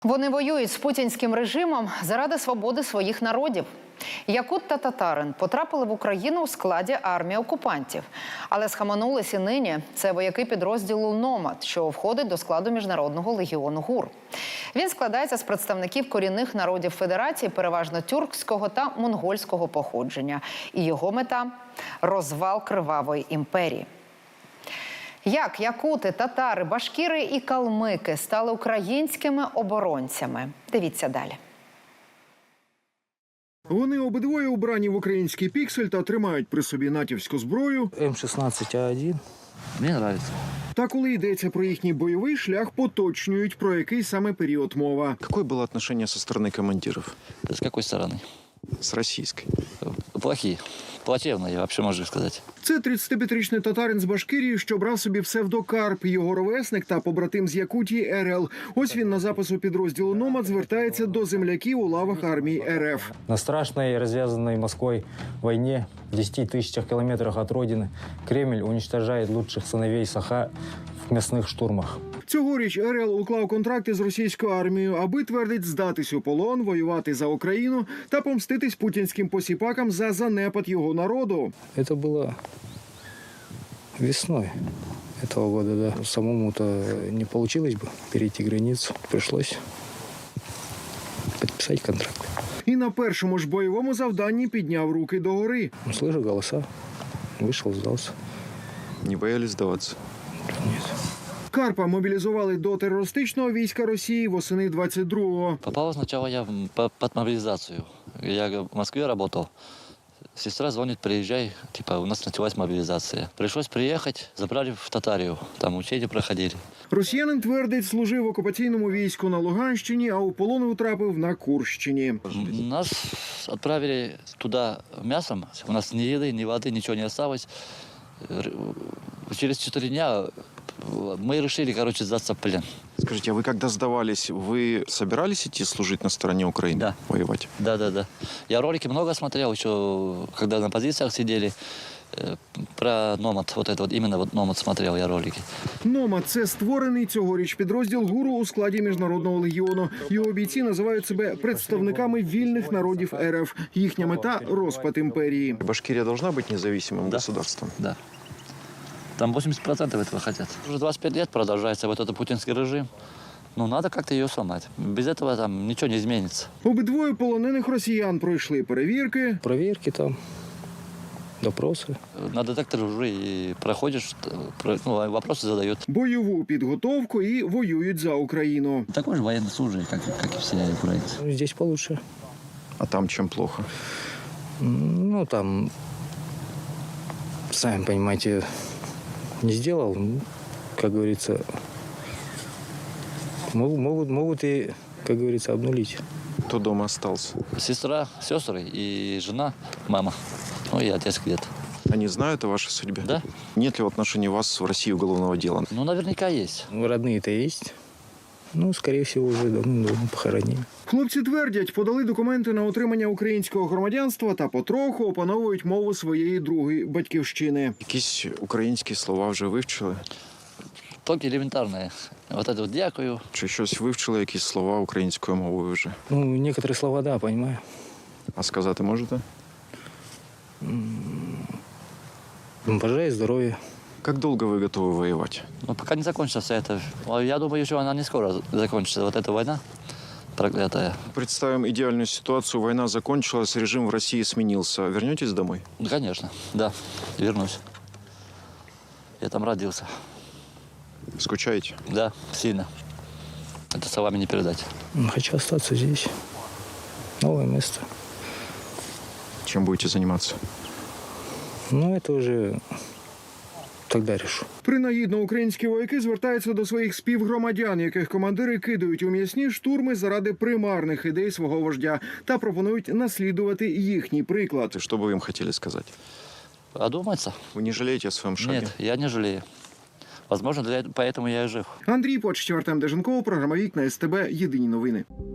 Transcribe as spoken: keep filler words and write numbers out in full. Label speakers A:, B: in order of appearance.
A: Вони воюють з путінським режимом заради свободи своїх народів. Якут та татарин потрапили в Україну у складі армії окупантів. Але схаменулись і нині. Це вояки підрозділу «Номад», що входить до складу Міжнародного легіону ГУР. Він складається з представників корінних народів Федерації, переважно тюркського та монгольського походження. І його мета – розвал кривавої імперії. Як якути, татари, башкіри і калмики стали українськими оборонцями? Дивіться далі.
B: Вони обидвоє убрані в український піксель та тримають при собі натівську зброю.
C: М шістнадцять А один. Мені подобається.
B: Та коли йдеться про їхній бойовий шлях, поточнюють, про який саме період мова.
D: Какое было отношение со стороны командиров?
C: С какой стороны?
D: С российской.
C: Плохие. Плачевные, вообще можу сказати.
B: Це тридцятип'ятирічний татарин з Башкирії, що брав собі псевдокарп. Його ровесник та побратим з Якутії РЛ. Ось він на запису підрозділу «Номад» звертається до земляків у лавах армії РФ.
E: На страшной, развязанной Москвой войне в десяти тысячах километрах от родины Кремль уничтожает лучших сыновей Саха в мясных штурмах.
B: Цьогоріч РЛ уклав контракти з російською армією, аби, твердить, здатись у полон, воювати за Україну та помститись путінським посіпакам за занепад його народу.
E: Это было весной этого года, да. Самому-то не получилось бы перейти границу. Пришлось подписать контракт.
B: І на першому ж бойовому завданні підняв руки догори.
E: Слышу голоса, вышел, сдался.
D: Не боялись сдаваться?
E: Нет.
B: Карпа мобілізували до терористичного війська Росії восени двадцять другого.
C: Попал сначала я под мобилизацию. Я в Москве работал. Сестра звонит, приезжай, типа, у нас началась мобилизация. Пришлось приехать, забрали в Татарию, там учения проходили.
B: Росіянин, твердить, служив в окупаційному війську на Луганщині, а у полон утрапив на Курщині.
C: Нас отправили туда мясом, у нас ни еды, ни воды, ничего не осталось. Через четыре дня мы решили, короче, сдаться в плен.
D: Скажите, а вы когда сдавались, вы собирались идти служить на стороне Украины?
C: Да.
D: Воевать?
C: Да, да, да. Я ролики много смотрел, еще когда на позициях сидели. Про «Номад», вот это вот, именно вот «Номад» смотрел я ролики.
B: «Номад» – це створений цьогоріч підрозділ ГУРу у складі Міжнародного легіону. Його бійці називають себе представниками вільних народів РФ. Їхня мета – розпад імперії.
D: Башкирия должна быть независимым
C: Да.
D: государством?
C: Да. Там восемьдесят процентов этого хотят. Уже двадцать пять лет продолжается вот этот путинский режим. Ну, надо как-то ее сломать. Без этого там ничего не изменится.
B: Обидвоє полонених росіян пройшли перевірки.
E: Проверки там, допросы.
C: На детекторе уже и проходишь, ну, вопросы задают.
B: Бойову підготовку і воюють за Україну.
C: Такой же военнослужащий, как, как и все украинцы.
E: Ну, здесь получше.
D: А там чем плохо?
E: Ну, там, сами понимаете, не сделал, ну, как говорится, могут, могут, могут и, как говорится, обнулить.
D: Кто дома остался?
C: Сестра, сестры и жена, мама. Ну и отец где-то.
D: Они знают о вашей судьбе?
C: Да.
D: Нет ли в отношении вас в России уголовного дела?
C: Ну, наверняка есть.
E: Ну, родные-то есть. Ну, скорее всего, уже давно-давно похоронили.
B: Хлопці твердять, подали документи на отримання українського громадянства та потроху опановують мову своєї другої батьківщини.
D: Якісь українські слова вже вивчили?
C: Только элементарные. Вот это вот «дякую».
D: Чи щось вивчили, якісь слова українською мовою вже?
E: Ну, некоторые слова, да, понимаю.
D: А сказати можете?
E: Бажаю здоровья.
D: Как долго вы готовы воевать?
C: Ну, пока не закончится вся эта... Я думаю, что она не скоро закончится, вот эта война проклятая.
D: Представим идеальную ситуацию. Война закончилась, режим в России сменился. Вернетесь домой?
C: Ну, конечно, да, вернусь. Я там родился.
D: Скучаете?
C: Да, сильно. Это словами не передать.
E: Хочу остаться здесь. Новое место.
D: Чем будете заниматься?
E: Ну, это уже тогда решу.
B: Принагідно українські вояки звертаються до своїх співгромадян, яких командири кидають у м'ясні штурми заради примарних ідей свого вождя та пропонують наслідувати їхній приклад.
D: И что бы вы им хотели сказать?
C: Одуматься?
D: Вы не жалеете о своем шаге?
C: Нет, я не жалею. Возможно, для... поэтому я и жив.
B: Андрій Почтів, Артем Деженков, програма «Вікна СТБ. Єдині новини».